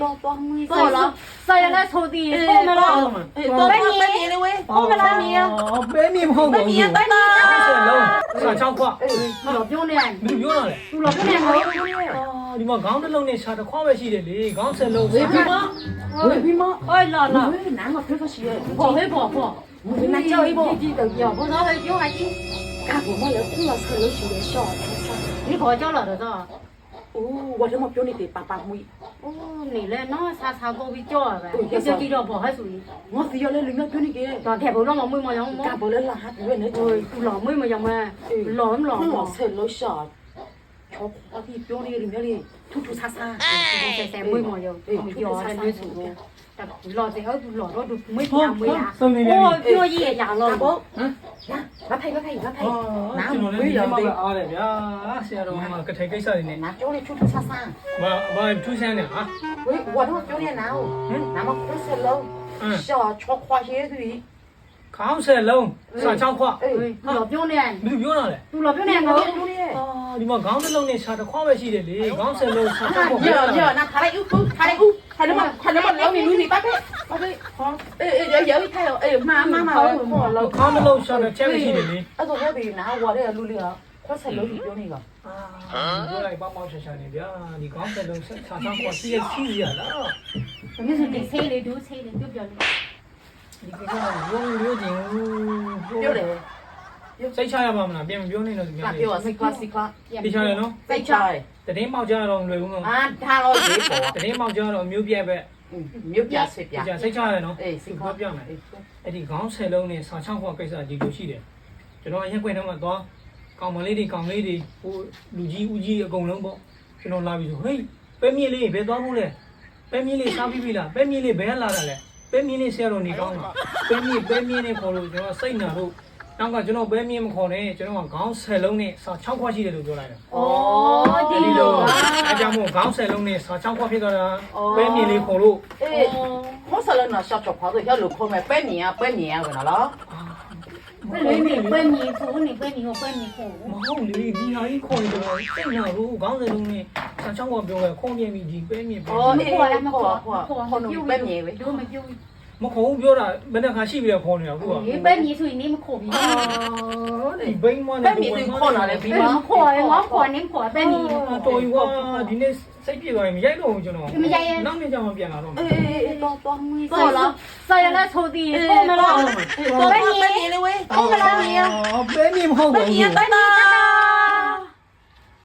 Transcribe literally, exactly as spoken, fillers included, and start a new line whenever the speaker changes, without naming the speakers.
多多没
够了，晒下来抽地，够没了，
多半年了喂，
够没了你，
哦，百米跑
半年半年，
上枪跨，
老表呢，
你不用了嘞。
老表呢没，
哦，你们刚的楼呢，查的跨外系的嘞，刚才楼。
为什么？为什么？
哎啦啦，
难我推个鞋，
跑会跑跑，
那叫一波，
要不然会表还紧，
看我们来听了车楼学的笑，
你跑叫了的是吧？
哦，我这么表你得爸爸妹。
哦，你嘞，那啥啥高比较呗，有些地方跑还属于，
我是要来领导表你嘅，
但太不让我妹妹养么？
干不了啦，还不会那
哦，老妹妹养么？老老
老
老，
车楼笑，瞧我的表你领导的突突擦擦，
晒晒妹妹有，有才没出过。老在后老老都没养没呀，哦，表爷养了，
不，嗯，呀，我睇我睇我睇，
哦，
拿
ကျွန်တော်လည်း
没
ဒီ
有
မှာ
的，
အားတယ်ဗျာဆရာတော်ကကထိုင်ကိစ္စတွေနဲ့
拿表你突突擦擦，
ဘာဘာထူးဆန်းတယ်ဟာ
喂，我都表你拿哦，那么不是喽，笑瞧花鞋的，
ခေါင်းဆက်လုံးစာချောင်းခွ
哎，
老表呢？
ဘယ်လိုပြောတာလဲ
သူ老表呢
表
我。
表你。
အော်ဒီမှာခေါင်းတစ်လုံးနဲ့ခြာတစ်ခွပဲရှိတယ်လေခေါင်းဆက်လုံးစာချောင်းခွ
เยอะเยอะนะทาได้อู้ทาได้อู้ทาได้มาทาได้มาแล้วนี่ลุยนี่ป้าเป้ป้าเป้เอ้ยเดี๋ยวเดี๋ยวอีกใครเอ้ยมามามาพอเรา
ခေါင်းတစ်လုံးခြာတစ်ချက်ပဲရှိတယ်လေ
အဲ့တော့ဒီနာဝါတဲ့လူလေးကခွက်ဆက်လို့ပြောနေက
အာပြောလိုက်ပေါ့ပေါ့ရှာရှာနေဗျာဒီခေါင်းဆက်လုံးစာချောင်းခွစီးရစီးရလား
你是得菜的，都菜的，都表的。
ဒီကိစ္စကရုံးရုံးချင်း
ပြောတယ်
စိတ်ချရပါမလားပြန်မပြောနေတော့ဒီ
က
များ
ပြောစိတ်ကစိတ်က
တိချရနော်
စိတ်ချ
တည်င်းပေါက်ကြတော့လွယ်ဘူးနော်
အာထားလို့ဒီပေါ်
တည်င်းပေါက်ကြတော့မျိုးပြက်ပဲ
မြို့ပြဆွေပြ
ဒီစိတ်ချရနော်
အေးစိတ်က
ပြောပြမယ်အဲ့ဒီခေါင်းဆက်လုံးနဲ့စာချောင်းခွကိစ္စဒီလိုရှိတယ်ကျွန်တော်ရက်ခွင့်ထဲမှာသွားကောင်မလေးတွေကောင်လေးတွေဟိုလူကြီးဦးကြီးအကုန်လုံးပေါ့ကျွန်တော်လာပြီဆိုဟေးပဲမြင့်လေးဘယ်သွားဖို့လဲပဲမြင့်လေးစားပြီးပြီလားပဲမြင့်လေးဘယ်လာတာလဲပဲမြင့်လေးဆရာတော်နေကောင်းလားပဲမြင့်ပဲမြင့်နဲ့ခေါ်လို့ကျွန်တော်စိတ်နာလို့နောက်ကကျွန်တော်ပဲမြင့်မခေါ်နဲ့ကျွန်တော်ကခေါင်းဆက်လုံးနဲ့စာချောင်းခွရှိတယ်လို့ပြောလိုက်တယ်
哦，
ဒီ
对
လို
喽。
အဲကြောင့်မို့ခေါင်းဆက်လုံးနဲ့စာချောင်းခွဖြစ်သွားတာပဲမြင့်လေးခေါ်လို့
အေးခေါ်ဆက်လို့နော်ရှော့ချော့ခေါ်တော့ရလို့ခေါ်မယ်ပဲမြင်ရပဲမြင်ရကနော်
不雷米不米苦，你不米我不米苦。
မဟုတ်လေဒီဟာကြီးခေါ်နေတော့စိတ်နာလို့ခေါင်းဆက်လုံးနဲ့စာချောင်းခွပြောလဲခေါ်ပြပြီဒီပဲမြင့်ပဲ
哦အေးခေါ်ခေါ်ခေါ်ခေါ်လို့ပဲမြင်ပဲ
都没丢。
မခေါ်ဘူးပြောတာဘယ်နှခါရှိပြီလဲခေါ်နေတာအခုက
你不米所以你们苦比。
ဒီဘိန်းမနဲ့
ပဲမြင်သူခေါ်လာတယ်ပြီး
你
မှ
们苦，我苦，你苦不米。
တော်ပြီကွာဒီနေ့စိတ်ပြေသွားရင်မရိုက်တော့ဘူးကျွန်တော်နောက်နေ့ကျမှပြန်လာတော့မယ်
အေးအေးတော့တော့မီး
够了，晒下来抽地，够没了。
တော့ပဲမြင်လေဝဲတော့ပဲမြင်
အော်ပဲမြင့်မဟုတ်
ပဲ
ဘူး
မြင်တိုင်းတာ